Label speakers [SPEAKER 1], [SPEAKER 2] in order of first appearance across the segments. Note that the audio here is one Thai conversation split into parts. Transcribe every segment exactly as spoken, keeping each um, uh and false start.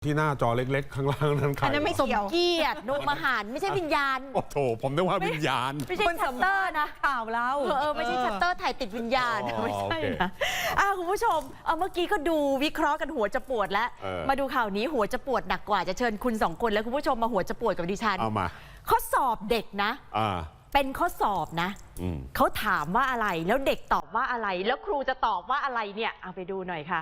[SPEAKER 1] ที่หน้าจอเล็กๆ ข้างล่างนั้นใคร
[SPEAKER 2] อันนั้นไม่
[SPEAKER 3] สม
[SPEAKER 2] เกี่ยว
[SPEAKER 3] เกียรติโนมหารไม่ใช่วิญญาณ
[SPEAKER 1] โอ้โถผมนึกว่าวิญญาณ
[SPEAKER 3] ไม่ใช่ชัตเตอร์นะ
[SPEAKER 2] ข่าวเรา
[SPEAKER 3] เออเออไม่ใช่ชัตเตอร์ถ่ายติดวิญญาณ
[SPEAKER 1] อ๋อ
[SPEAKER 3] ไม่ใช่
[SPEAKER 1] โอเค
[SPEAKER 3] นะอ่ะคุณผู้ชมเอาเมื่อกี้ก็ดูวิเคราะห์กันหัวจะปวดแล้ว
[SPEAKER 1] เออ
[SPEAKER 3] มาดูข่าวนี้หัวจะปวดหนักกว่าจะเชิญคุณสองคนและคุณผู้ชมมาหัวจะปวดกับดิฉัน
[SPEAKER 1] เอามา
[SPEAKER 3] ข้อสอบเด็กนะ
[SPEAKER 1] อ่า
[SPEAKER 3] เป็นข้อสอบนะ
[SPEAKER 1] อืม
[SPEAKER 3] เขาถามว่าอะไรแล้วเด็กตอบว่าอะไร แล้วครูจะตอบว่าอะไรเนี่ยเอาไปดูหน่อยค่ะ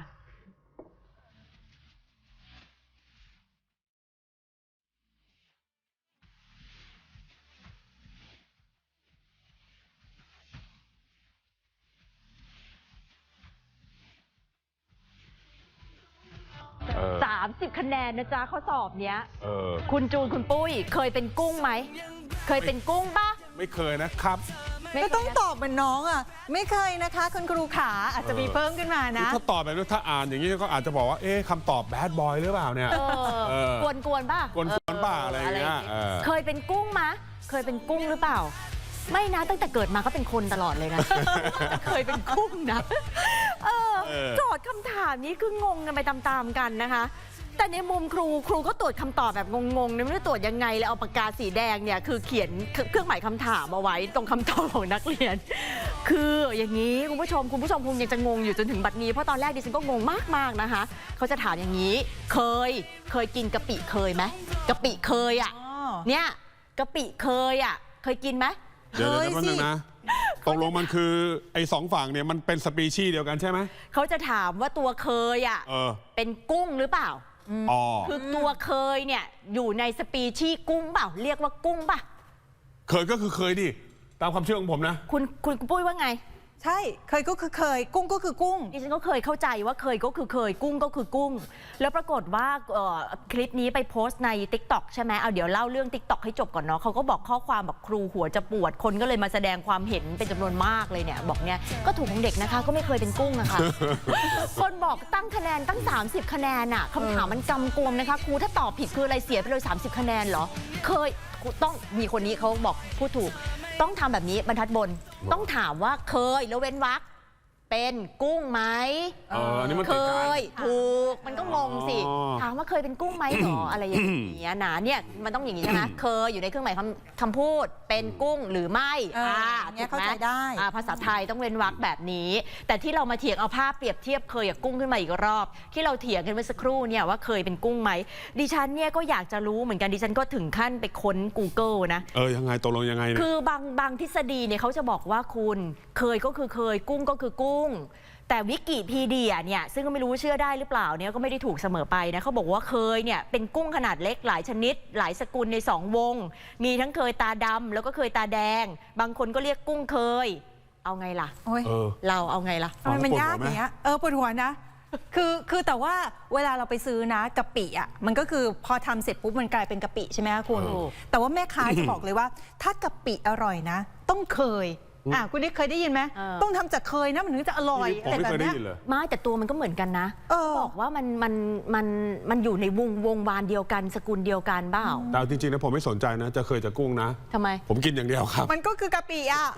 [SPEAKER 1] เออ
[SPEAKER 3] สามสิบคะแนนนะจ๊ะข้อสอบเนี้ย
[SPEAKER 1] เออ
[SPEAKER 3] คุณจูนคุณปุ้ยเคยเป็นกุ้งไหมเคยเป็นกุ้งปะ
[SPEAKER 1] ไม่เคยนะครับ
[SPEAKER 3] ไม่
[SPEAKER 2] ก็
[SPEAKER 3] เคย
[SPEAKER 2] ต้องตอบเหมือนน้องอ่ะ ไม่เคยนะคะคุณครูขาอาจจะมีเพิ่มขึ้นมานะ
[SPEAKER 1] ถ้าตอบแบบนี้ถ้าอ่านอย่างนี้ก็อาจจะบอกว่า เอ๊ะคำตอบแบดบอยหรือเปล่าเนี่ย
[SPEAKER 3] เอ
[SPEAKER 1] เอ
[SPEAKER 3] อ
[SPEAKER 1] อ
[SPEAKER 3] กวนกวนๆป่ะ
[SPEAKER 1] กวนๆป่ะอะไรอย่างเงี้ยเออ
[SPEAKER 3] เคยเป็นกุ้งมะเคยเป็นกุ้งหรือเปล่า ไม่นะตั้งแต่เกิดมาก็เป็นคนตลอดเลยนะ เคยเป็นกุ้งนะเออ
[SPEAKER 1] เออ
[SPEAKER 3] โจทย์คำถามนี้คืองงกันไปตามๆกันนะคะ แต่ในมุมครูครูก็ตรวจคำตอบแบบงงๆนะไม่รู้ตรวจยังไงเลยเอาปากกาสีแดงเนี่ยคือเขียนเครื่องหมายคำถามเอาไว้ตรงคำตอบของนักเรียน คืออย่างนี้คุณผู้ชมคุณผู้ชมคงยังจะงงอยู่จนถึงบัดนี้เพราะตอนแรกดิฉันก็งงมากๆนะคะเขาจะถามอย่างนี้ เคยเคยกินกะปิเคยไหมกะปิเคยอ่ะ
[SPEAKER 2] อ๋อ
[SPEAKER 3] เนี่ยกะปิเคยอ่ะเคยกินไหม
[SPEAKER 1] เดี๋ยว
[SPEAKER 2] เค
[SPEAKER 1] เดี๋ย
[SPEAKER 2] ยว
[SPEAKER 1] แป๊บนึง
[SPEAKER 2] สิ
[SPEAKER 1] นะตกลงมันคือไอ้สองฝั่งเนี่ยมันเป็นสปีชีส์เดียวกันใช่ไหม
[SPEAKER 3] เขาจะถามว่าตัวเคยอ่ะ
[SPEAKER 1] เออ
[SPEAKER 3] เป็นกุ้งหรือเปล่า
[SPEAKER 1] อ๋อ
[SPEAKER 3] คือตัวเคยเนี่ยอยู่ในสปีชีส์กุ้งเปล่าเรียกว่ากุ้งป่ะ
[SPEAKER 1] เคยก็คือเคยดิ ตามความเชื่อของผมนะ
[SPEAKER 3] คุณคุณปุ้ยว่าไง
[SPEAKER 2] ใช่เคยก็คือเคย กุ้งก็คือกุ้ง
[SPEAKER 3] ดิฉันก็เคยเข้าใจว่าเคยก็คือเคยกุ้งก็คือกุ้ง แล้วปรากฏว่าเอ่อคลิปนี้ไปโพสต์ใน ติ๊กต็อก ใช่ไหมเอาเดี๋ยวเล่าเรื่อง ติ๊กต็อก ให้จบก่อนเนาะเขาก็บอกข้อความบอกครูหัวจะปวดคนก็เลยมาแสดงความเห็นเป็นจำนวนมากเลยเนี่ยบอกเนี่ยก็ถูกของเด็กนะคะก็ไม่เคยเป็นกุ้งนะคะ คนบอกตั้งคะแนนตั้ง สามสิบ คะแนนอะคำถามมันกำกวมนะคะครูถ้าตอบผิดคืออะไรเสียไปเลย สามสิบ คะแนนเหรอเคยต้องมีคนนี้เขาบอกพูดถูก ต้องทำแบบนี้บรรทัดบนต้องถามว่าเคยแล้วเว้นวรรคเป็นกุ้งไหม
[SPEAKER 1] เอออันนี้มัน
[SPEAKER 3] เค
[SPEAKER 1] ติดกัน
[SPEAKER 3] ยถูกมันก็งงสิ
[SPEAKER 1] อ๋อ
[SPEAKER 3] ถามว่าเคยเป็นกุ้งไหมหรอ อะไรอย่างเงี้ยนะเนี่ยมันต้องอย่างนี้ใช่ไหมเคยอยู่ในเครื่องหมายคำคำพูดเป็นกุ้งหรือไม่
[SPEAKER 2] เอออย่างเงี้ยเข้าใจได้
[SPEAKER 3] อ่าภาษาไทยต้องเว้นวรรคแบบนี้ แต่ที่เรามาเถียงเอาภาพเปรียบเทียบเคยกับกุ้งขึ้นมาอีกรอบ ที่เราเถียงกันเมื่อสักครู่เนี่ยว่าเคยเป็นกุ้งไหมดิฉันเนี่ยก็อยากจะรู้เหมือนกันดิฉันก็ถึงขั้นไปค้น Google นะ
[SPEAKER 1] เออยังไงตกลงยังไงเนี่ย
[SPEAKER 3] คือบางบางทฤษฎีเนี่ยเขาจะบอกว่าคุณเคยก็คือเคยกุ้งก็คือกุ้ง แต่วิกิพีเดียเนี่ยซึ่งก็ไม่รู้ว่าเชื่อได้หรือเปล่าเนี่ยก็ไม่ได้ถูกเสมอไปนะเขาบอกว่าเคยเนี่ยเป็นกุ้งขนาดเล็กหลายชนิด หลายสกุลในสองวง มีทั้งเคยตาดำแล้วก็เคยตาแดง บางคนก็เรียกกุ้งเคย เอาไงล่ะ
[SPEAKER 2] โอ้ย
[SPEAKER 1] เออ
[SPEAKER 3] เราเอาไงล่ะ
[SPEAKER 2] ทำไมมัน
[SPEAKER 1] ปวดหัวย
[SPEAKER 2] าก
[SPEAKER 1] ไหม
[SPEAKER 2] อย่างเงี้ย เออปวดหัวนะ คือคือแต่ว่าเวลาเราไปซื้อนะกะปิอ่ะมันก็คือพอทำเสร็จปุ๊บมันกลายเป็นกะปิใช่ไหมคะคุณ
[SPEAKER 3] เออ
[SPEAKER 2] แต่ว่าแม่ค้าจะบอกเลยว่า ถ้ากะปิอร่อยนะ ต้องเคยอ่ะคุณนี่เคยได้ยินไหมต้องทำจากเคยนะมันถึงจะอร่อย
[SPEAKER 1] ผมไม่เคยได้ยินเลย
[SPEAKER 3] ไม่แต่ตัวมันก็เหมือนกันนะ
[SPEAKER 2] เออ
[SPEAKER 3] บอกว่ามันมันมันมันอยู่ในวงวงวานเดียวกันสกุลเดียวกันเปล่า
[SPEAKER 1] แต่เอาจริงๆนะผมไม่สนใจนะ จะเคยจะกุ้งนะ
[SPEAKER 3] ทำไม
[SPEAKER 1] ผมกินอย่างเดียวครับ
[SPEAKER 2] มันก็คือกะปิอ่ะ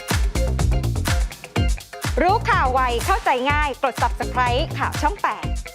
[SPEAKER 4] รู้ข่าวไวเข้าใจง่ายกด ซับสไครบ์ ข่าวช่องแปด